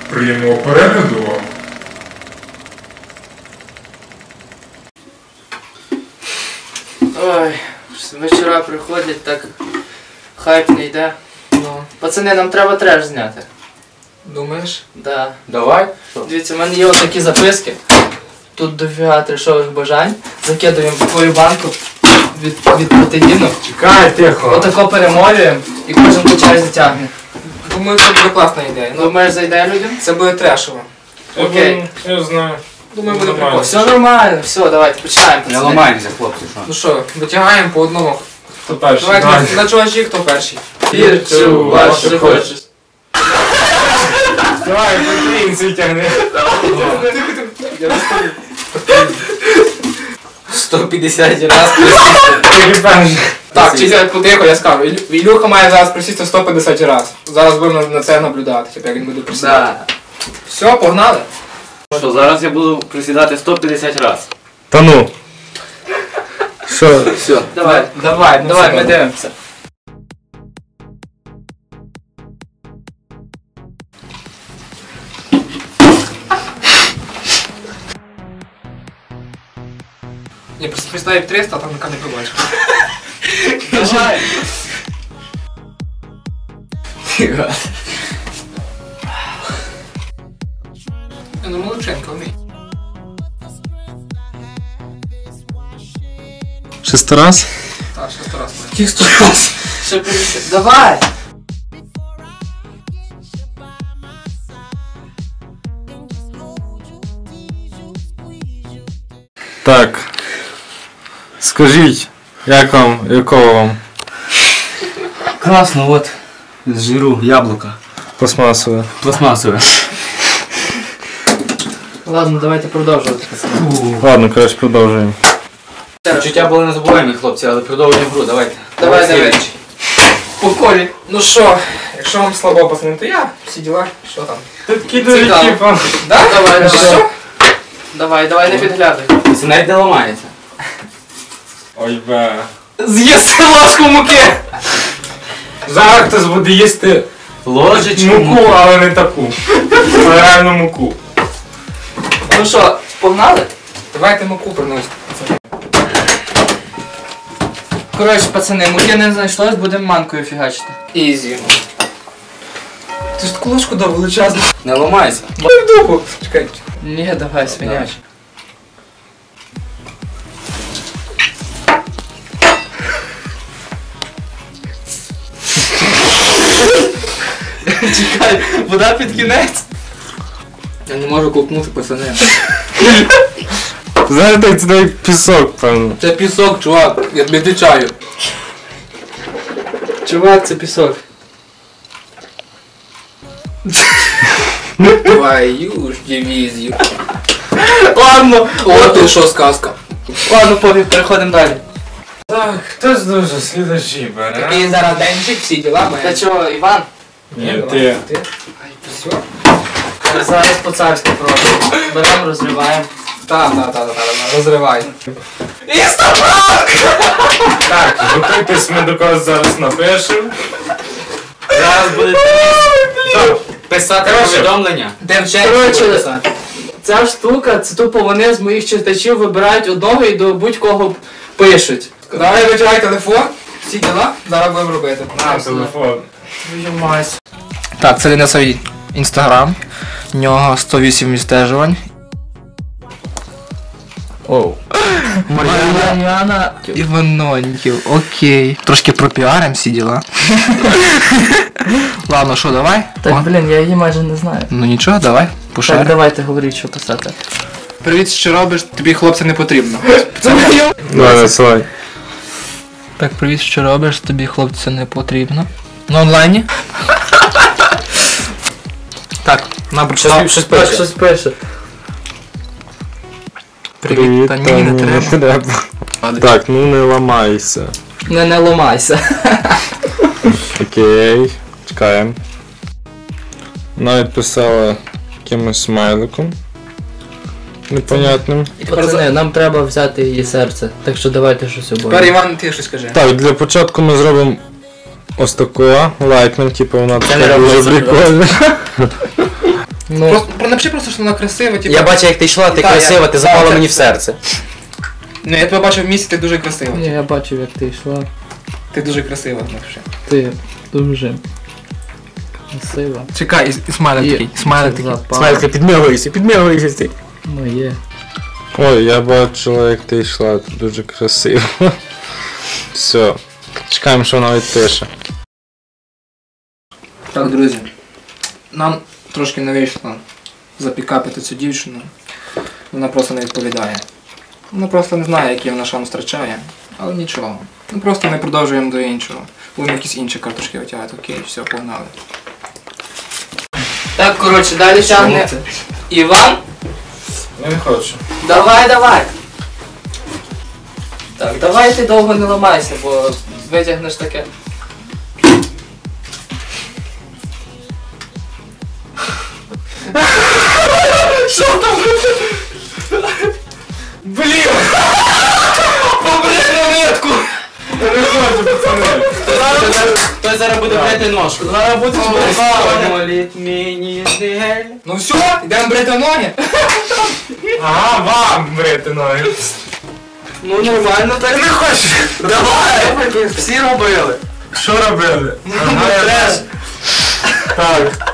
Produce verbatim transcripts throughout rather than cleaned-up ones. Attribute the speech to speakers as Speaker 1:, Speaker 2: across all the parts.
Speaker 1: Приємного перегляду вам.
Speaker 2: Ой, вечора приходять, так хайп не йде. Ну, пацани, нам треба треш зняти.
Speaker 3: Думаєш?
Speaker 2: Да.
Speaker 3: Давай.
Speaker 2: Дивіться, в мене є ось такі записки. Тут дофіга трешових бажань. Закидуємо в твою банку від, від протеїну.
Speaker 1: Чекай, тихо.
Speaker 2: Отако перемолюємо і кожен по черзі тягне.
Speaker 3: Думаю, це буде класна ідея. Ну,
Speaker 2: Думаєш, зайде людям?
Speaker 3: це буде трешово.
Speaker 2: Окей.
Speaker 1: Я знаю.
Speaker 3: Думаю, буде
Speaker 1: Нормально.
Speaker 3: прикол.
Speaker 2: Все нормально, все, давайте починаємо.
Speaker 4: Не
Speaker 2: пацани.
Speaker 4: ламаємося, хлопці, що?
Speaker 3: Ну що, витягаємо по одному.
Speaker 1: Хто перший?
Speaker 3: Давай
Speaker 1: Давай.
Speaker 3: на, на чувачі, хто перший.
Speaker 2: Вірчу, вас що хочеш.
Speaker 1: Давай, потрінці тягни.
Speaker 3: Я розповім.
Speaker 4: сто п'ятдесят раз.
Speaker 1: Тільки перший.
Speaker 3: Так, чи потихо, я скажу. Ілю- Ілюха має зараз присісти сто п'ятдесят разів. Зараз будемо на це наблюдати, типу, як він буде присідати.
Speaker 2: Да.
Speaker 3: Все, погнали.
Speaker 4: Що, зараз я буду присідати сто п'ятдесят раз.
Speaker 1: Та ну. Що?
Speaker 4: Все.
Speaker 2: Давай,
Speaker 3: Давай, ну
Speaker 2: давай,
Speaker 3: все,
Speaker 2: ми
Speaker 3: добре.
Speaker 2: дивимося.
Speaker 3: Ні, просто представив триста, а там яка не побачиш.
Speaker 2: Давай.
Speaker 3: Ну, молодченко, вмій.
Speaker 1: Шесто раз?
Speaker 3: Так, ще сто раз.
Speaker 2: Тих сто раз. Ще більше. Давай.
Speaker 1: Так. Скажіть, як вам, якого вам?
Speaker 4: Класно, от. З жиру яблука.
Speaker 1: Пластмасове.
Speaker 4: Пластмасове.
Speaker 2: Ладно, давайте продовжувати.
Speaker 1: Ладно, коротше, продовжуємо.
Speaker 4: Почуття були незабуваємі, хлопці, але продовжуємо гру, давайте.
Speaker 2: Давай, давай.
Speaker 4: слідуючий.
Speaker 2: По колі.
Speaker 3: Ну що, якщо вам слабо, пацани, то я, всі діла, що там?
Speaker 1: Тут
Speaker 2: Цікаво.
Speaker 1: типа.
Speaker 3: Да?
Speaker 2: Давай,
Speaker 3: Ну
Speaker 2: давай.
Speaker 3: що?
Speaker 2: Давай, давай, не підглядай.
Speaker 4: Це навіть не ламається.
Speaker 1: Ой бе.
Speaker 2: З'їсти ложку муки.
Speaker 1: Зараз хтось буде їсти
Speaker 4: Ложечку.
Speaker 1: муку, але не таку. А реальну муку.
Speaker 2: Ну що, погнали?
Speaker 3: Давайте муку приносити.
Speaker 2: Коротше, пацани, муки не знайшлось, будемо манкою фігачити.
Speaker 3: Ізі. Ти ж таку ложку дав величезну.
Speaker 4: Не ламайся.
Speaker 3: Дай в дупу. Чекай.
Speaker 2: Ні, давай, свиняч. Чекай, вода під кінець.
Speaker 3: Я не можу ковтнути, пацани.
Speaker 1: Знаєте, це навіть пісок, певно.
Speaker 3: Це пісок, чувак, я тобі відвічаю.
Speaker 2: Чувак, це пісок.
Speaker 3: Твою ж дивізію.
Speaker 2: Ладно,
Speaker 3: О, ти що сказка.
Speaker 2: ладно, пофіг, переходимо далі.
Speaker 1: Так, хтось дуже слідачі бере.
Speaker 3: Такий зараз денчик, всі діла має.
Speaker 2: Та чого, Іван?
Speaker 1: Ні, ти.
Speaker 3: Ти? Ай, все?
Speaker 2: Зараз по-царськи пробуємо. Беремо, розриваємо.
Speaker 3: Так, так, так, так, розривай.
Speaker 1: Так, готуйтесь, ми до когось зараз напишемо.
Speaker 4: Зараз будете писати
Speaker 1: Коротше.
Speaker 4: повідомлення.
Speaker 3: Де в
Speaker 2: Коротше, ця штука, це тупо вони з моїх читачів вибирають одного і до будь-кого пишуть.
Speaker 3: Давай витягай телефон, всі діла, зараз будемо робити.
Speaker 1: На, телефон.
Speaker 3: Так, це Денисовий інстаграм. В нього сто вісім відстежувань. Оу.
Speaker 2: Мар'яна.
Speaker 3: Іваноньків, окей. Трошки пропіарим всі діла. Ладно, що, давай?
Speaker 2: Так, блін, я її майже не знаю.
Speaker 3: Ну нічого, давай,
Speaker 2: Так,
Speaker 3: пошарим.
Speaker 2: давайте говоріть, що писати.
Speaker 3: Привіт, що робиш? Тобі хлопця не потрібно.
Speaker 1: Давай, насилай.
Speaker 3: Так, привіт, що робиш? Тобі хлопця не потрібно. На онлайні? Так, на прочитав.
Speaker 4: Щось
Speaker 2: Так,
Speaker 4: пише.
Speaker 2: щось пише.
Speaker 3: Привіт, та ні, не треба.
Speaker 1: Так, ну не ламайся.
Speaker 2: Не, не ломайся.
Speaker 1: Окей, чекаємо. Навіть писала якимось смайликом. Непонятним.
Speaker 2: Пацани, нам треба взяти її серце, так що давайте щось
Speaker 3: Тепер
Speaker 2: обоє.
Speaker 3: Іван, ти щось скажи.
Speaker 1: Так, для початку ми зробимо ось такого, лайкнем, типу вона
Speaker 2: не
Speaker 1: така
Speaker 2: роблю
Speaker 1: дуже
Speaker 2: це,
Speaker 1: прикольна.
Speaker 2: Ну,
Speaker 3: Просто, про- напиши просто, що вона красива, типу.
Speaker 4: Я бачу, як ти йшла, ти
Speaker 3: Та,
Speaker 4: красива,
Speaker 3: я-
Speaker 4: ти запала
Speaker 3: та,
Speaker 4: мені
Speaker 3: це-
Speaker 4: в серце.
Speaker 3: Ну я тебе бачив в місті, ти дуже красива.
Speaker 2: ні, я бачив, як ти йшла.
Speaker 3: Ти дуже красива, напиши.
Speaker 2: Ти дуже красива.
Speaker 3: Чекай, і, і смайлик
Speaker 2: І
Speaker 3: такий, смайлик такий.
Speaker 2: запала
Speaker 4: Смайлка, підмигуйся, підмигуйся ти.
Speaker 2: моє.
Speaker 1: Ой, я бачила, як ти йшла, тут дуже красиво. Все. Чекаємо, що вона відпише.
Speaker 3: Так, друзі, нам трошки не вийшло запікапити цю дівчину. Вона просто не відповідає. Вона просто не знає, який вона шанс втрачає. Але нічого. Ми просто не продовжуємо до іншого. Будемо якісь інші карточки витягати. Окей, все, погнали.
Speaker 2: Так, коротше, далі тягне Іван.
Speaker 1: Я не хочу.
Speaker 2: Давай, давай. Так, давай ти довго не ламайся, бо витягнеш таке. Що там?
Speaker 1: Блін! Побри монетку! Я не хочу, пацани.
Speaker 4: Хтось зараз буде брати ножку.
Speaker 2: Зараз будеш
Speaker 4: Моліть мені зель.
Speaker 3: Ну все, йдемо брити ноги.
Speaker 1: Ага, вам брити ноги.
Speaker 2: Ну нормально так.
Speaker 1: Не хочу.
Speaker 4: Давай! Всі робили.
Speaker 1: Що робили? Ага, я теж. Так.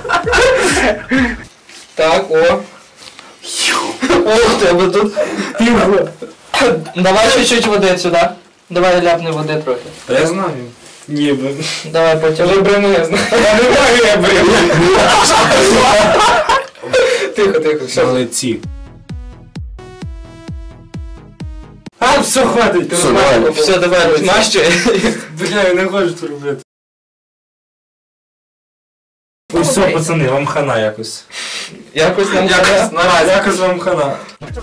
Speaker 3: Так, о.
Speaker 2: О, у тебе тут півго. Давай чуть-чуть води сюди. Давай ляпни води трохи.
Speaker 1: Та я знаю. Ніби.
Speaker 2: Давай потягни.
Speaker 3: Брину я знаю.
Speaker 1: Я не маю, я брив.
Speaker 3: Тихо, тихо, все.
Speaker 1: Молодці. А, все, хватить, ти
Speaker 4: Все,
Speaker 1: розмахуй.
Speaker 4: давай.
Speaker 2: Все, давай, змащуй.
Speaker 1: Бля, я не хочу це робити. Ось все, пацани, вам хана якось.
Speaker 2: Якось нам
Speaker 1: Якось,
Speaker 2: треба.
Speaker 1: наразі, якось вам хана.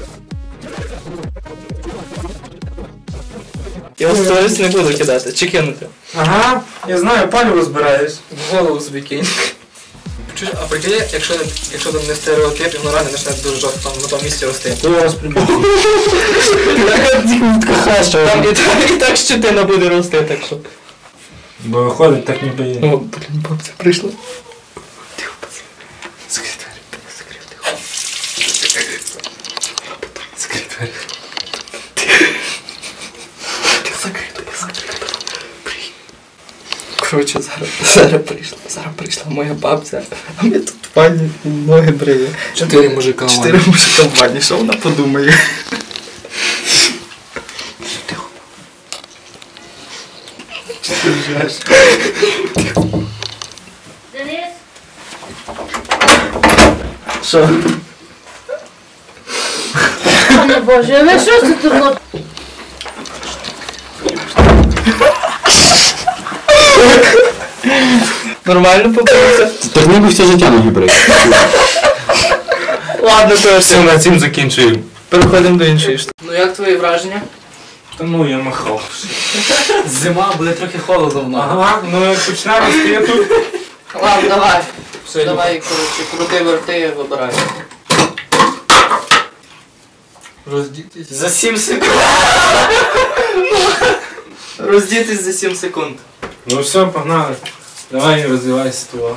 Speaker 2: Я в сторіс не буду кидати, чи кинути.
Speaker 1: Ага, я знаю, палю розбираєш.
Speaker 2: В голову собі кинь.
Speaker 3: Чуєш, а прикинь, якщо, якщо там не стереотип, і воно реально почне дуже жорстко там на тому місці рости.
Speaker 1: Я вас прибуду.
Speaker 2: Там і так, і так щетина буде рости, так що.
Speaker 1: Бо виходить, так ніби є.
Speaker 2: О, блін, бабця прийшла.
Speaker 1: Закрий двері, закрий тихо. Закрий двері.
Speaker 2: Коротше, зараз, зараз прийшла, зараз прийшла моя бабця, а ми тут в ванні ноги бриє.
Speaker 3: Чотири мужика.
Speaker 2: Чотири мужика в ванні, що вона подумає?
Speaker 5: Денис,
Speaker 2: Що?
Speaker 5: пане Боже, а ви що це тут? ну?
Speaker 2: Нормально побився?
Speaker 4: Так ніби все життя ноги брати.
Speaker 2: Ладно, то
Speaker 1: Все, на цим закінчуємо.
Speaker 2: переходимо до іншої штуки. Ну як твої враження?
Speaker 1: Та ну я махав.
Speaker 4: Зима, буде трохи холодно в ногах.
Speaker 1: Ага, ну як почне рости, я тут.
Speaker 2: Ладно, давай.
Speaker 1: Все,
Speaker 2: Давай, коротше, крути, верти, вибирай. Роздітись.
Speaker 4: За сім секунд.
Speaker 2: Роздітись за сім секунд.
Speaker 1: Ну все, погнали. Давай розвивайся того.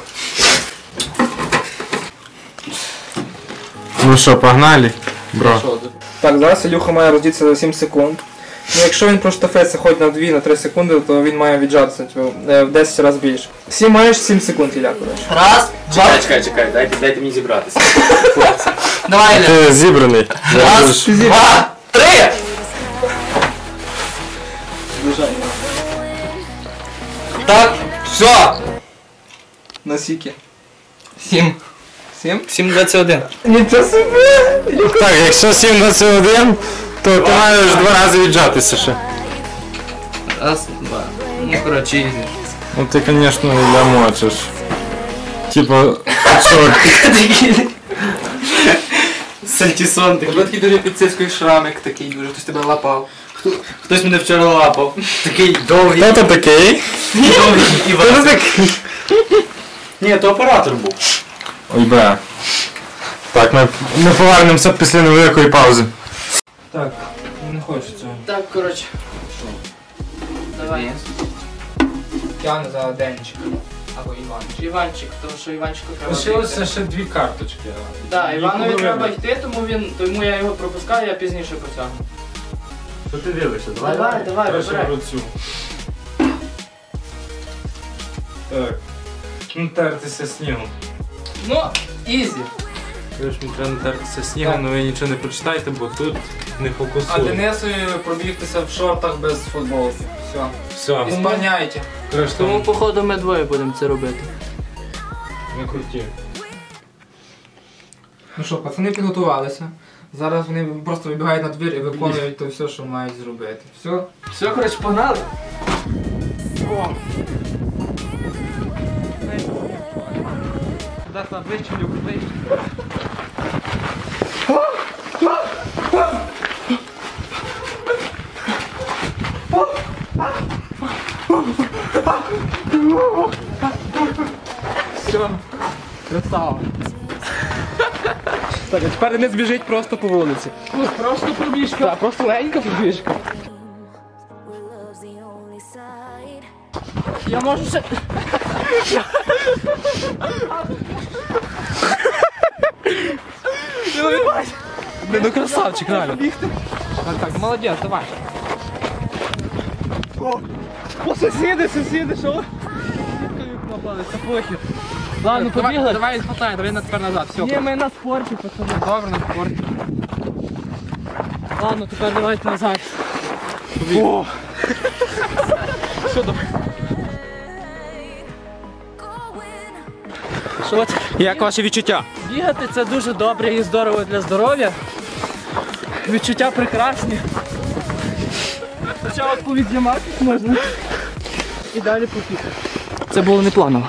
Speaker 1: Ну що, погнали, бро.
Speaker 2: Що тут?
Speaker 3: Так, зараз Ілюха має роздітися за сім секунд. Ну якщо він проштовхається хоч на дві-три секунди, то він має віджатися типу, е, в десять разів більше. Всі маєш сім секунд, Ілля, коротше.
Speaker 2: Раз, два,
Speaker 4: Чекай, чекай, чекай, дайте, дайте мені зібратися.
Speaker 2: давай, Ілля.
Speaker 1: Ти зібраний.
Speaker 2: Раз, два, три! Так, все.
Speaker 3: На сіки.
Speaker 2: Сім.
Speaker 3: Сім?
Speaker 2: Сім двадцять один.
Speaker 3: Нічого собі!
Speaker 1: Так, якщо сім двадцять один, то ти маєш два рази віджатися ще.
Speaker 2: Раз, два. Ну, коротше, ізі.
Speaker 1: Ну ти, звісно, Ілля мочиш. Типа, що?
Speaker 4: Сальтісон
Speaker 3: Тебе такий дуже під цицькою шрамик, такий дуже, хтось тебе лапав.
Speaker 4: Хтось мене вчора лапав. Такий довгий.
Speaker 1: Хто ти такий?
Speaker 4: Довгий і
Speaker 1: Хто ти
Speaker 4: веселий.
Speaker 1: такий?
Speaker 4: Ні, то оператор був.
Speaker 1: Ой, бля. Так, ми, ми повернемося після невеликої паузи. Так, не хочу цього.
Speaker 2: Так, коротше. Давай.
Speaker 3: Тягне за денчик. Або Іван.
Speaker 2: Іванчик, тому що Іванчику треба.
Speaker 1: Лишилося
Speaker 2: бігти.
Speaker 1: ще дві карточки.
Speaker 2: Так,
Speaker 1: Їх
Speaker 2: Іванові
Speaker 1: було
Speaker 2: треба
Speaker 1: видно.
Speaker 2: йти, тому він, тому я його пропускаю, я пізніше потягну.
Speaker 4: Що ти дивишся?
Speaker 2: Давай, давай,
Speaker 1: Перше
Speaker 2: вибирай.
Speaker 1: беру цю. Так. Ну, тертися снігом.
Speaker 2: Ну, ізі.
Speaker 1: Кажеш, мені треба натертися снігом, але ви нічого не прочитайте, бо тут не
Speaker 3: А
Speaker 1: фокусує.
Speaker 3: Денисові пробігтися в шортах без футболки. Все.
Speaker 1: Все,
Speaker 3: Ісполняйте.
Speaker 1: кажеш,
Speaker 2: Тому,
Speaker 1: там
Speaker 2: походу, ми двоє будемо це робити.
Speaker 1: не круті.
Speaker 3: Ну що, пацани підготувалися. Зараз вони просто вибігають на двір і виконують то все, що мають зробити. Все?
Speaker 2: Все, коротше, погнали.
Speaker 3: Куди там вище, люблю вище. Все, красава. Так, а тепер не збіжить просто по вулиці.
Speaker 2: Просто пробіжка.
Speaker 3: Так, просто легенька пробіжка.
Speaker 6: Where love's the only side.
Speaker 2: Я можу ще...
Speaker 3: Ну, ну красавчик, реально. Так, так, молодець, давай. О, о сусіди, сусіди, що?
Speaker 2: Ладно,
Speaker 3: Давай,
Speaker 2: побігли.
Speaker 3: давай, хватай, давай на тепер назад, все.
Speaker 2: Ні, ми на спорті, пацани.
Speaker 3: Добре, на спорті.
Speaker 2: Ладно, тепер давайте назад.
Speaker 3: О! Що давай?
Speaker 2: Що це?
Speaker 3: Як ваші відчуття?
Speaker 2: Бігати це дуже добре і здорово для здоров'я. Відчуття прекрасні. Спочатку відзніматись можна. І далі попіти. Це було не планово.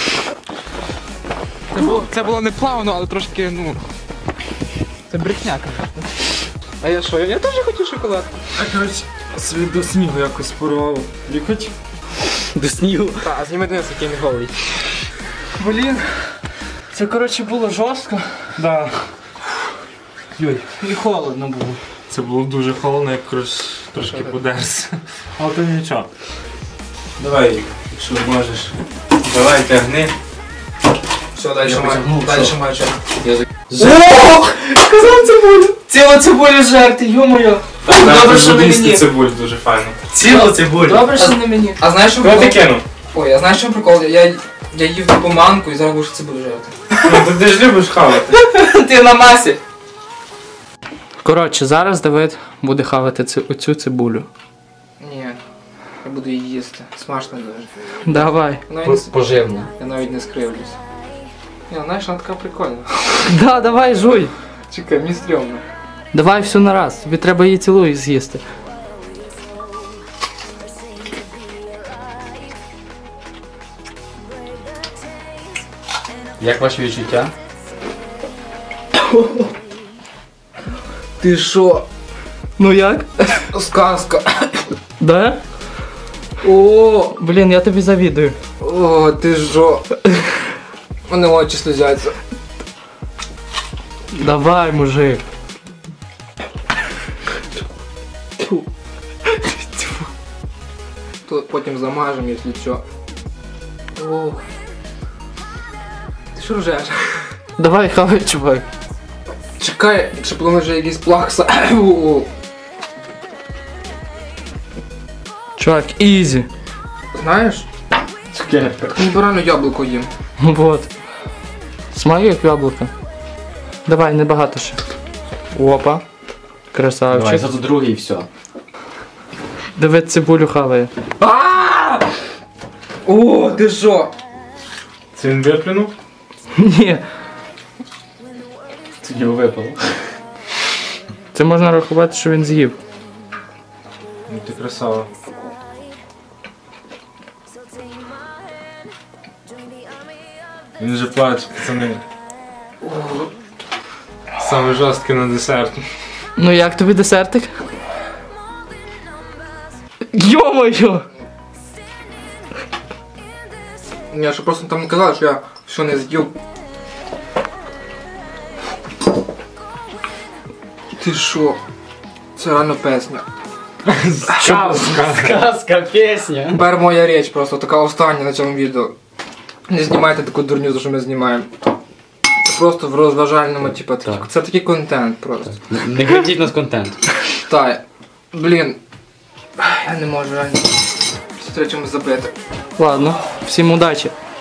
Speaker 3: Це було, це було не плавно, але трошки, ну... Це брехня. А я що? Я теж хотів шоколад.
Speaker 1: А коротше, собі до снігу якось порвало. Лікоть?
Speaker 3: До снігу. Так, а зніми Денис, який не голий.
Speaker 2: Блін. Це, коротше, було жорстко.
Speaker 1: Да. Йой.
Speaker 2: І холодно було.
Speaker 1: Це було дуже холодно, як коротше, трошки подерся. Але то нічого. Давай, якщо можеш. Давай, тягни.
Speaker 3: Все, далі
Speaker 1: Я
Speaker 3: маю.
Speaker 1: потягнув,
Speaker 3: Далі
Speaker 1: що?
Speaker 3: маю час.
Speaker 2: О! Сказав цибулю! Ціла цибуля жерти, ё-моє! Добре, що не мені.
Speaker 1: цибуль дуже файно.
Speaker 4: Ціла цибуля.
Speaker 2: Добре, що не мені.
Speaker 3: А знаєш, що
Speaker 1: Куди ти
Speaker 3: прикол?
Speaker 1: кинув?
Speaker 3: Ой, а знаєш, що прикол? Я, я їв таку манку і зараз будеш цибулю жерти.
Speaker 1: Ну, ти ж любиш хавати.
Speaker 2: Ти на масі. Коротше, зараз Давид буде хавати цю, оцю цибулю.
Speaker 3: Ні, я буду її їсти. Смачно дуже.
Speaker 2: Давай.
Speaker 3: Я навіть, не-
Speaker 4: Поживна.
Speaker 3: я навіть не скривлюсь. Ні, знаєш, вона така прикольна.
Speaker 2: Да, давай, жуй.
Speaker 3: Чекай, мені стрьомно.
Speaker 2: Давай всю на раз. Тобі треба її цілу з'їсти.
Speaker 4: Як ваші відчуття?
Speaker 3: Ти що?
Speaker 2: Ну як?
Speaker 3: Сказка.
Speaker 2: Да?
Speaker 3: О,
Speaker 2: Блін, я тобі завідую.
Speaker 3: о, ти що? У мене очі слізяться.
Speaker 2: Давай, мужик.
Speaker 3: Тут потім замажемо, якщо що. О. Ти що ржеш?
Speaker 2: Давай, хавай, чувак.
Speaker 3: Чекай, якщо плануєш якийсь плакса. О.
Speaker 2: Чувак, ізі.
Speaker 3: Знаєш?
Speaker 4: Цукерка.
Speaker 3: Ніби реально яблуко їм.
Speaker 2: Вот. Смаю як яблуко. Давай, небагато ще. Опа.
Speaker 4: Давай,
Speaker 2: Красавчик.
Speaker 4: зато другий і все.
Speaker 2: Давид цибулю хаває.
Speaker 3: А! О, ти що?
Speaker 1: Це він виплюнув?
Speaker 2: Ні.
Speaker 4: Це його випало.
Speaker 2: Це можна рахувати, що він з'їв.
Speaker 1: Ну ти красава. Він вже плаче, пацани. Саме жорстке на десерт.
Speaker 2: Ну як тобі десертик? Йо-моє!
Speaker 3: Я що просто там не казав, що я що не з'їв. Ти що? Це реально песня.
Speaker 1: Сказка.
Speaker 4: Казка, пісня.
Speaker 3: Тепер моя річ просто така остання на цьому відео. Не знімайте таку дурню, що ми знімаємо. Це просто в розважальному, типу, такі-
Speaker 4: Так.
Speaker 3: це такий контент просто.
Speaker 4: Не крадіть нас контент.
Speaker 3: Так, блін. Я не можу реально. Треба чимось забити.
Speaker 2: Ладно, всім удачі.